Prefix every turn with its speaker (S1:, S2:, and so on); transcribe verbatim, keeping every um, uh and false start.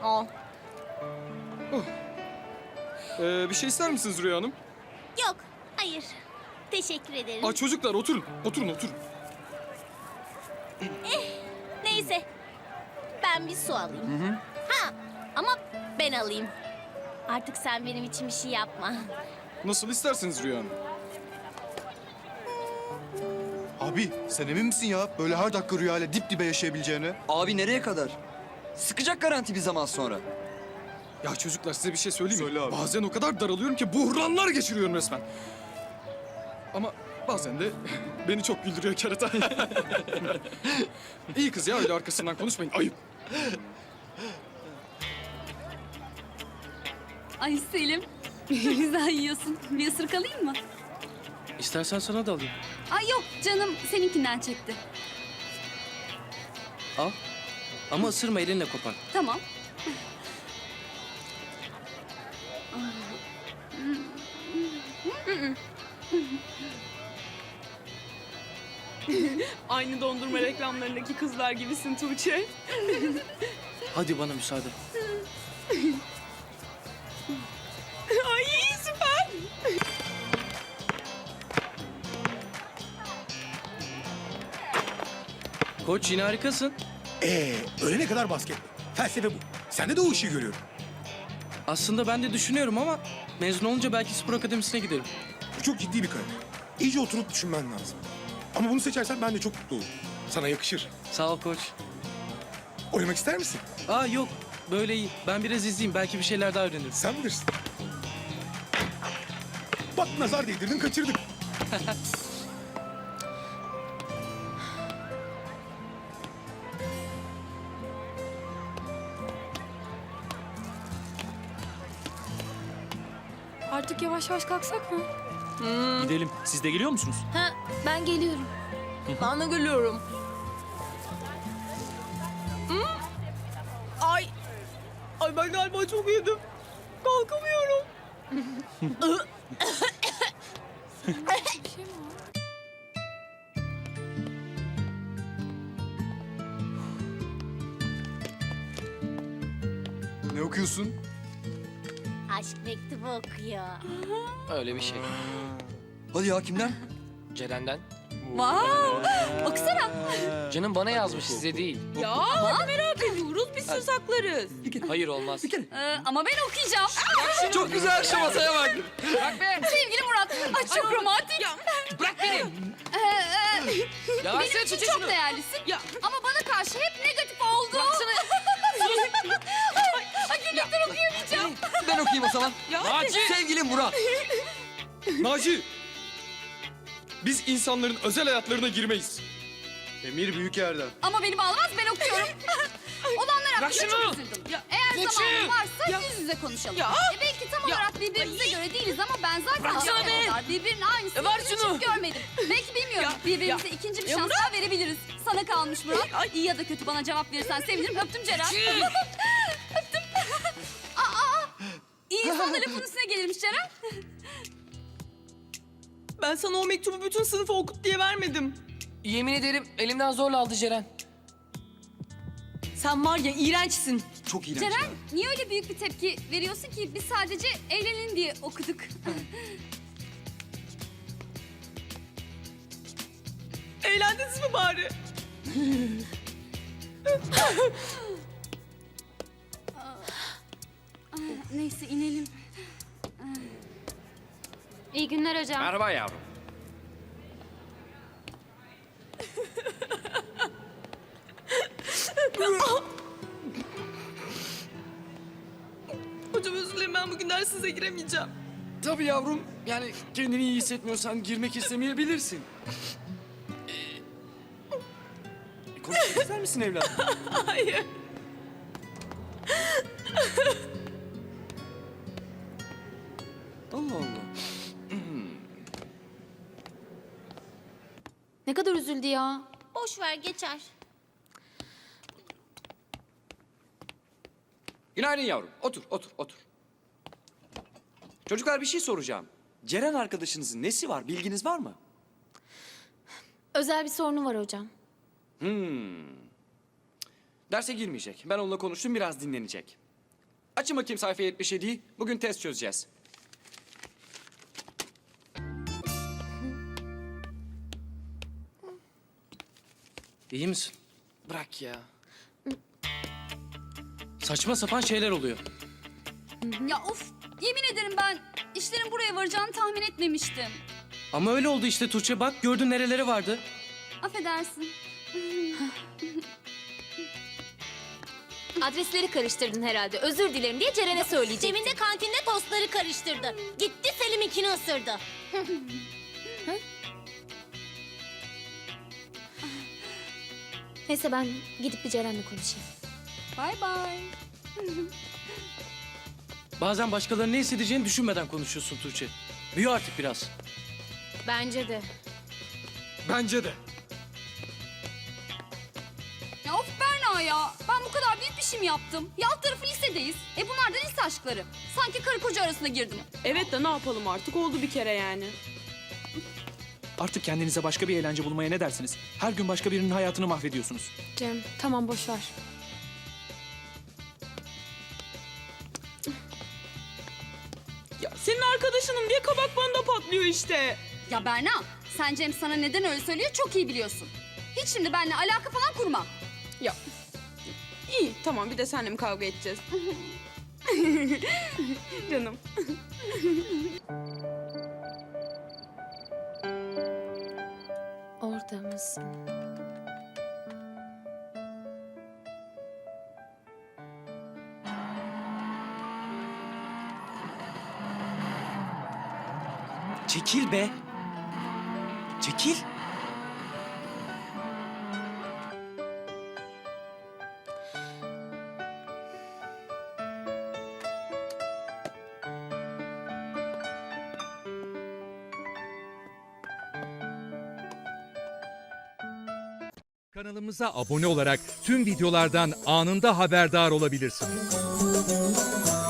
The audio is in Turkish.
S1: Al.
S2: Ee, bir şey ister misiniz Rüya Hanım?
S1: Yok, hayır. Teşekkür ederim.
S2: Aa, çocuklar oturun, oturun, oturun.
S1: Neyse. Ben bir su alayım. Ha, ama ben alayım. Artık sen benim için bir şey yapma.
S2: Nasıl isterseniz Rüya Hanım.
S3: Abi sen emin misin ya? Böyle her dakika rüyayla dip dibe yaşayabileceğine.
S4: Abi nereye kadar? Sıkacak garanti bir zaman sonra.
S2: Ya çocuklar size bir şey söyleyeyim mi?
S3: Söyle abi.
S2: Bazen o kadar daralıyorum ki buhranlar geçiriyorum resmen. Ama bazen de beni çok güldürüyor kerata. İyi kız ya, öyle arkasından konuşmayın. Ayıp.
S5: Ay Selim, güzel yiyorsun. Bir ısırık alayım mı?
S6: İstersen sana da alayım.
S5: Ay yok canım, seninkinden çekti.
S6: Al. Ama ısırma, elinle kopar.
S5: Tamam.
S7: Aynı dondurma reklamlarındaki kızlar gibisin Tuğçe.
S6: Hadi bana müsaade.
S7: Ay süper.
S6: Koç yine harikasın.
S8: Ee, ölene kadar basket. Felsefe bu. Sende de o ışığı görüyorum.
S6: Aslında ben de düşünüyorum ama mezun olunca belki spor akademisine giderim.
S8: Bu çok ciddi bir karar. İyice oturup düşünmen lazım. Ama bunu seçersen ben de çok mutlu olurum. Sana yakışır.
S6: Sağ ol koç.
S8: Oynamak ister misin?
S6: Aa yok, böyle iyi. Ben biraz izleyeyim, belki bir şeyler daha öğrenirim.
S8: Sen bilirsin. Bak nazar değdirdin, kaçırdık.
S5: Artık yavaş yavaş kalksak mı?
S6: Gidelim. Siz de geliyor musunuz?
S1: Ha, ben geliyorum.
S7: Ben de gülüyorum. Hı? Ay. Ay ben galiba çok yedim. Kalkamıyorum.
S3: Ne okuyorsun?
S1: Aşk mektubu okuyor.
S9: Öyle bir şey.
S4: Hadi ya kimden?
S9: Ceren'den.
S5: Wow! Okusana.
S9: Canım bana yazmış, size değil.
S7: Ya hadi merak ediyoruz. Biz söz saklarız.
S9: Hayır, olmaz.
S5: Ee, ama ben okuyacağım.
S4: Çok güzel şu masaya bak.
S9: Bırak be!
S5: Sevgili Murat, ay çok romantik.
S9: Bırak beni!
S5: Ee, e,
S9: Ya
S5: benim
S9: versene
S5: için
S9: çocuğu
S5: çok
S9: şunu.
S5: değerlisin.
S7: Ya.
S5: Ama bana karşı hep negatif oldu. ay, ay gülmekten okuyamayacağım.
S4: Ben okuyayım o zaman.
S7: Ya
S9: Naci!
S4: Sevgili Murat.
S2: Naci! Biz insanların özel hayatlarına girmeyiz.
S3: Emir büyük yerden.
S5: Ama beni bağlamaz, ben okuyorum. Olanlar hakkında
S9: şunu.
S5: çok üzüldüm.
S7: Ya,
S5: Eğer
S9: geç
S5: zamanın
S9: şunu.
S5: varsa
S7: Ya.
S5: yüz yüze konuşalım.
S7: Ya.
S5: E belki tam olarak birbirimize
S7: Ay.
S5: göre değiliz ama ben zaten
S7: Bırak şunu
S5: şimdiye
S7: be.
S5: kadar birbirinin aynısını
S7: Ya ver
S5: hiç
S7: şunu.
S5: görmedim. Belki bilmiyorum.
S7: Ya.
S5: Birbirimize
S7: Ya.
S5: ikinci bir
S7: Ya
S5: şans
S7: bırak.
S5: daha verebiliriz. Sana kalmış Murat.
S7: Ay.
S5: İyi ya da kötü bana cevap verirsen sevinirim. Öptüm Ceren.
S9: Çii!
S5: Öptüm. aa, aa. İyi insan da lafın üstüne gelirmiş Ceren.
S7: ben sana o mektubu bütün sınıfa okut diye vermedim.
S9: Yemin ederim elimden zorla aldı Ceren.
S7: Sen var ya iğrençsin.
S4: Çok iğrenç.
S5: Ceren niye öyle büyük bir tepki veriyorsun ki? Biz sadece eğlenin diye okuduk.
S7: Eğlendiniz mi bari?
S5: Neyse inelim. İyi günler hocam.
S9: Merhaba yavrum.
S7: Hocam özür dilerim, ben bugün dersize giremeyeceğim.
S6: Tabii yavrum. Yani kendini iyi hissetmiyorsan girmek istemeyebilirsin. Ee, konuşmak ister misin evladım?
S7: Hayır.
S6: Allah Allah.
S5: Ne kadar üzüldü ya.
S1: Boş ver, geçer.
S10: Günaydın yavrum. Otur, otur, otur. Çocuklar bir şey soracağım. Ceren arkadaşınızın nesi var? Bilginiz var mı?
S5: Özel bir sorunu var hocam.
S10: Hmm. Derse girmeyecek. Ben onunla konuştum, biraz dinlenecek. Açın bakayım sayfa yetmiş yediyi. Bugün test çözeceğiz.
S6: İyi misin?
S9: Bırak ya.
S6: Saçma sapan şeyler oluyor.
S5: Ya of, yemin ederim ben işlerin buraya varacağını tahmin etmemiştim.
S6: Ama öyle oldu işte Tuğçe. Bak gördün nereleri vardı.
S5: Affedersin.
S1: Adresleri karıştırdın herhalde. Özür dilerim diye Ceren'e söyleyecektim. Cem'in de kantinde tostları karıştırdı. Gitti Selim'inkini ısırdı. Neyse ben gidip bir Ceren'le konuşayım.
S5: Bay bay.
S6: Bazen başkalarının ne hissedeceğini düşünmeden konuşuyorsun Tuğçe. Büyü artık biraz.
S1: Bence de.
S2: Bence de.
S5: Ya of Berna ya. Ben bu kadar büyük bir şey mi yaptım? Ya alt tarafı lisedeyiz. E bunlar da lise aşkları. Sanki karı koca arasına girdim.
S7: Evet de ne yapalım artık oldu bir kere yani.
S11: Artık kendinize başka bir eğlence bulmaya ne dersiniz? Her gün başka birinin hayatını mahvediyorsunuz.
S1: Cem tamam boş ver.
S7: Ya senin arkadaşınım diye kabak bana da patlıyor işte.
S5: Ya Berna, sen Cem sana neden öyle söylüyor çok iyi biliyorsun. Hiç şimdi benimle alaka falan kurma.
S7: Ya iyi tamam bir de seninle mi kavga edeceğiz? Canım.
S1: Orada mısın?
S11: Çekil be. Çekil.
S12: Kanalımıza abone olarak tüm videolardan anında haberdar olabilirsiniz.